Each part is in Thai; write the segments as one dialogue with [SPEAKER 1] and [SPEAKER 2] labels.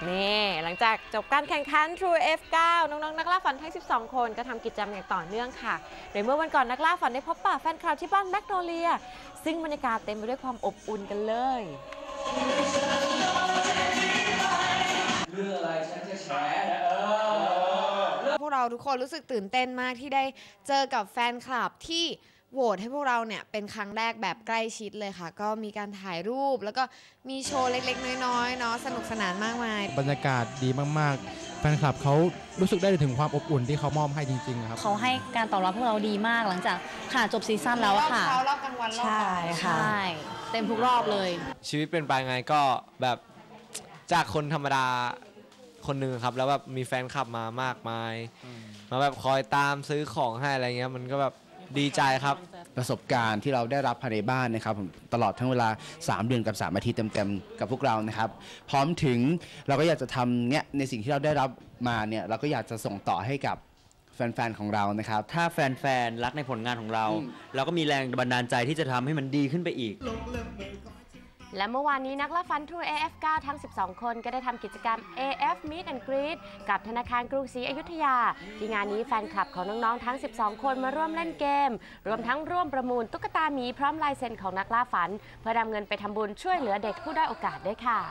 [SPEAKER 1] นี่หลังจากจบการแข่งขัน True F9 น้องๆนักล่าฝันทั้ง12 คนก็ทำกิจกรรมอย่างต่อเนื่องค่ะโดยเมื่อวันก่อนนักล่าฝันได้พบปะแฟนคลับที่บ้านแมกโนเลียซึ่งบรรยากาศเต็มไปด้วยความอบอุ่นกันเลย
[SPEAKER 2] เรื่องอะไรฉันจะแชร์นะ
[SPEAKER 3] พวกเราทุกคนรู้สึกตื่นเต้นมากที่ได้เจอกับแฟนคลับที่โหวตให้พวกเราเนี่ยเป็นครั้งแรกแบบใกล้ชิดเลยค่ะก็มีการถ่ายรูปแล้วก็มีโชว์เล็กๆน้อยๆเนาะสนุกสนานมากมาย
[SPEAKER 4] บรรยากาศดีมากๆแฟนคลับเขารู้สึกได้ถึงความอบอุ่นที่เขามอบให้จริงๆครับ
[SPEAKER 5] เขาให้การตอบรับพวกเราดีมากหลังจากจบซีซั่นแล้วค่ะ
[SPEAKER 3] รอบกลางวันรอบบ่าย
[SPEAKER 5] ค่ะเต็มทุกรอบเลย
[SPEAKER 6] ชีวิตเป็นไปไงก็แบบจากคนธรรมดาคนหนึ่งครับแล้วแบบมีแฟนคลับมามากมายมาแบบคอยตามซื้อของให้อะไรเงี้ยมันก็แบบดีใจครับ
[SPEAKER 7] ประสบการณ์ที่เราได้รับภายในบ้านนะครับตลอดทั้งเวลา3 เดือนกับ3 อาทิตย์เต็มๆกับพวกเรานะครับพร้อมถึงเราก็อยากจะทำเนี่ยในสิ่งที่เราได้รับมาเนี่ยเราก็อยากจะส่งต่อให้กับแฟนๆของเรานะครับ
[SPEAKER 8] ถ้าแฟนๆรักในผลงานของเราเราก็มีแรงบันดาลใจที่จะทำให้มันดีขึ้นไปอีก
[SPEAKER 1] และเมื่อวานนี้นักล่าฝัน True AF9 ทั้ง12 คนก็ได้ทำกิจกรรม AF Meet and Greet กับธนาคารกรุงศรีอยุธยาที่งานนี้แฟนคลับของน้องๆทั้ง12 คนมาร่วมเล่นเกมรวมทั้งร่วมประมูลตุ๊กตาหมีพร้อมลายเซ็นของนักล่าฝันเพื่อนำเงินไปทำบุญช่วยเหลือเด็กผู้ด้อยโอกาสด้วยค่ะ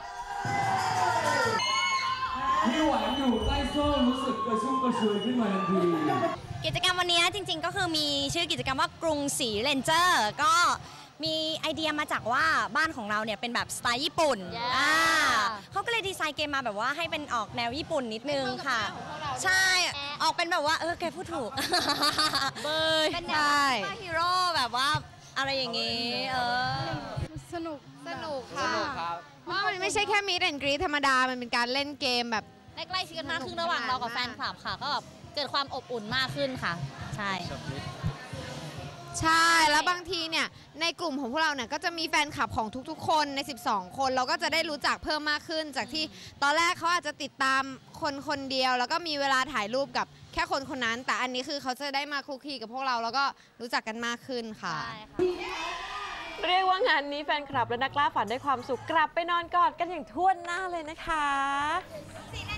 [SPEAKER 2] พี่หวานอยู่ใต้โซ่รู้สึกกระชุ่มกระชวยขึ้นมาทันที
[SPEAKER 9] กิจกรรมวันนี้จริงๆก็คือมีชื่อกิจกรรมว่ากรุงศรีเรนเจอร์ก็มีไอเดียมาจากว่าบ้านของเราเนี่ยเป็นแบบสไตล์ญี่ปุ่นเขาก็เลยดีไซน์เกมมาแบบว่าให้เป็นออกแนวญี่ปุ่นนิดนึงค่ะใช่ออกเป็นแบบว่าแกพูดถูกเป็นแนวฮีโร่แบบว่าอะไรอย่างงี้
[SPEAKER 3] สนุกค่ะเพราะมันไม่ใช่แค่มีดแอนด์กรีดธรรมดามันเป็นการเล่นเกมแบบ
[SPEAKER 5] ใกล้ชิดกันมากขึ้นระหว่างเรากับแฟนคลับค่ะก็แบบเกิดความอบอุ่นมากขึ้นค่ะใช่
[SPEAKER 3] แล้วบางทีเนี่ยในกลุ่มของพวกเราเนี่ยก็จะมีแฟนคลับของทุกๆคนใน12 คนเราก็จะได้รู้จักเพิ่มมากขึ้นจากที่ตอนแรกเขาอาจจะติดตามคนเดียวแล้วก็มีเวลาถ่ายรูปกับแค่คนนั้นแต่อันนี้คือเขาจะได้มาคลุกคลีกับพวกเราแล้วก็รู้จักกันมากขึ้นค่ะ
[SPEAKER 1] เรียกว่างานนี้แฟนคลับและนักล่าฝันได้ความสุขกลับไปนอนกอดกันอย่างท่วมหน้าเลยนะคะ